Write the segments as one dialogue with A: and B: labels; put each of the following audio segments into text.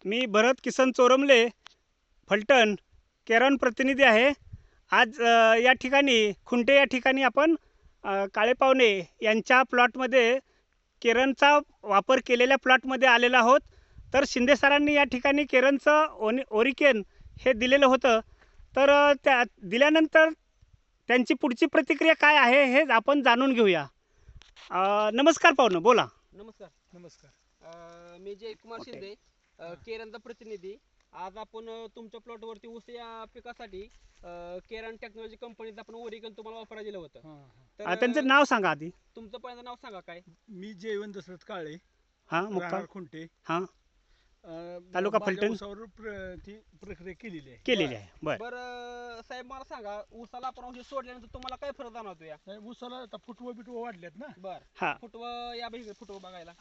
A: मी भरत किसन चोरमले, फलटण, केरन प्रतिनिधी आहे। आज या ठिकाणी खुंटे या ठिकाणी आपण काळे पावणे यांच्या प्लॉटमध्ये केरनचा वापर केलेल्या प्लॉटमध्ये आलेलो आहोत। तर शिंदे सरांनी या ठिकाणी केरनचं ओरिकेन हे दिलेलं होतं। तर त्या दिल्यानंतर त्यांची पुढची प्रतिक्रिया काय आहे हे आपण जाणून घेऊया। नमस्कार पाहुणे, बोला।
B: नमस्कार। मी जयकुमार शिंदे, केरनचा प्रतिनिधी। आज आपण तुमच्या प्लॉटवरती ऊस या पिकासाठी केरन टेक्नॉलॉजी कंपनीचं आपण ओरिकन तुम्हाला वापरायला दिलं होतं।
A: तर त्यांचं नाव सांगा आधी।
B: तुमचं पहिलं नाव सांगा काय?
C: मी जयवंत दशरथ काळे,
A: मुक्काम
C: खुंटे,
A: तालुका फलटण
C: ती प्रक्रिया केलेली
A: आहे।
B: बरं साहेब, मला सांगा, ऊसाला आपण औषध सोडल्यानंतर तुम्हाला काय फरक जाणवतो? या
C: ऊसाला आता फुटवं बिटवं वाढल्यात ना।
B: बरं, फुटवं या बघ, फुटवं बघायला।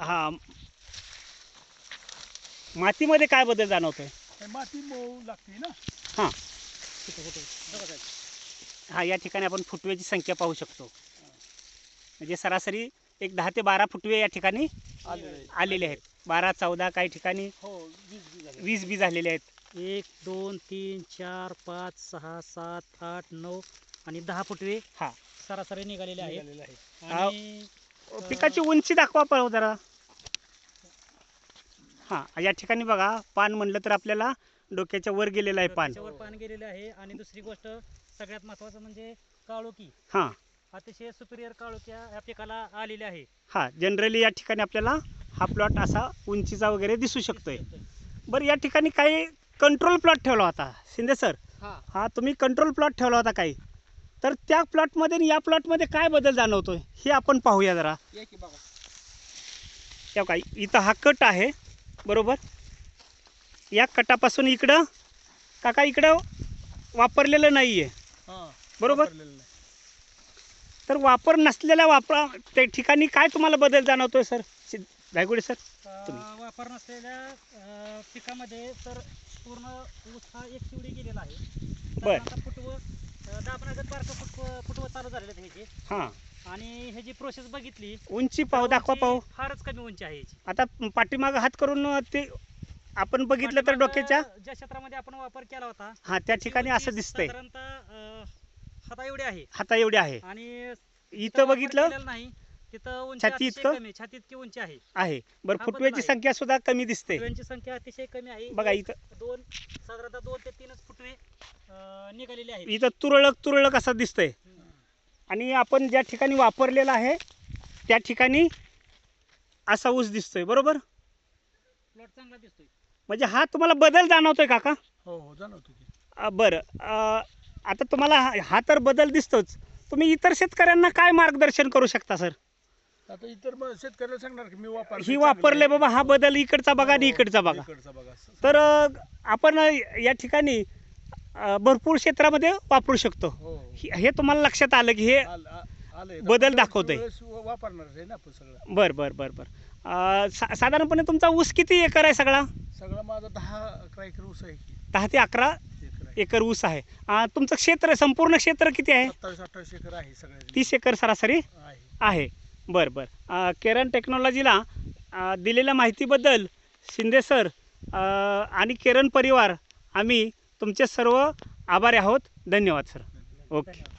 A: मातीमध्ये काय बदल जाणवतोय?
C: माती मऊ लागते ना।
A: या ठिकाणी आपण फुटव्याची संख्या पाहू शकतो। म्हणजे सरासरी एक 10 ते 12 फुटवे या ठिकाणी आलेले आहेत। 12, 14, काही ठिकाणी 20 बी झालेले आहेत।
D: 1, 2, 3, 4, 5, 6, 7, 8, 9 आणि 10 फुटवे सरासरी निघालेले आहेत। आणि
A: पिकाची उंची दाखवा पाहू जरा। या ठिकाणी बघा, पान म्हणलं तर आपल्याला डोक्याच्या वर गेलेलं आहे पान
D: गेलेलं आहे। आणि दुसरी गोष्ट सगळ्यात महत्त्वाचं म्हणजे काळोखी, अतिशय सुपिरियर काळोख्या या पिकाला आलेल्या आहे।
A: जनरली या ठिकाणी आपल्याला हा प्लॉट असा उंचीचा वगैरे दिसू शकतोय। बरं, या ठिकाणी काही कंट्रोल प्लॉट ठेवला होता शिंदे सर। तुम्ही कंट्रोल प्लॉट ठेवला होता काही, तर त्या प्लॉटमध्ये आणि या प्लॉटमध्ये काय बदल जाणवतोय हे आपण पाहूया जरा। काय इथं हा कट आहे बरोबर, या कटापासून इकडं काका इकडं वापरलेलं नाहीये बरोबर। तर वापर नसलेल्या त्या ठिकाणी काय तुम्हाला बदल जाणवतोय सर धायगुडे सर?
D: वापर नसलेल्या पिकामध्ये तर पूर्ण ऊस हा एक शिवडी गेलेला आहे।
A: बरं,
D: फुटवं दाबण्याचं बारकं फुटवं चालू झालेलं आहे ह्याची। आणि ह्याची प्रोसेस बघितली,
A: उंची पाहू, दाखवा पाहू।
D: फारच कमी उंची आहे ह्याची।
A: आता पाठीमाग हात करून ते आपण बघितलं तर डोक्याच्या
D: ज्या क्षेत्रामध्ये आपण वापर केला होता
A: त्या ठिकाणी असं दिसतंय,
D: साधारणतः हाता
A: एवढे आहे।
D: आणि
A: इथं बघितलं
D: नाही, तिथं
A: छाती इतकं
D: छाती इतकी उंची
A: आहे। बरं, फुटव्याची संख्या सुद्धा कमी दिसते।
D: फुटव्यांची संख्या अतिशय कमी आहे।
A: बघा इथं
D: साधारणतः 2 ते 3 फुटवे निघालेले आहेत।
A: इथं तुरळक असं दिसतंय। आणि आपण ज्या ठिकाणी वापरलेला आहे त्या ठिकाणी असा ऊस दिसतोय बरोबर।
D: प्लॉट चांगला दिसतोय,
A: म्हणजे हा तुम्हाला बदल जाणवतोय काका?
C: हो, जाणवतो।
A: बरं, आता तुम्हाला हा तर बदल दिसतोच, तुम्ही इतर शेतकऱ्यांना काय मार्गदर्शन करू शकता सर?
C: आता इतर शेतकऱ्याला सांगणार की मी
A: ही वापरले बाबा, हा बदल इकडचा बघा आणि इकडचा बघा। तर आपण या ठिकाणी भरपूर क्षेत्रामध्ये वापरू शकतो। हे तुम्हाला लक्षात आलं की हे बदल दाखवतोय?
C: वापरणार आहे ना आपण सगळं।
A: बरं, साधारणपणे तुमचा ऊस किती एकर आहे? सगळा
C: माझा 10-11 एकर ऊस आहे।
A: 10 ते 11 एकर ऊस आहे। तुमचं क्षेत्र, संपूर्ण क्षेत्र किती आहे?
C: 27-28 एकर आहे सगळं।
A: 30 एकर सरासरी आहे। बरं, केरन टेक्नॉलॉजीला दिलेल्या माहितीबद्दल शिंदे सर आणि केरन परिवार आम्ही तुमचे सर्व आभारी आहोत। धन्यवाद सर। ओके।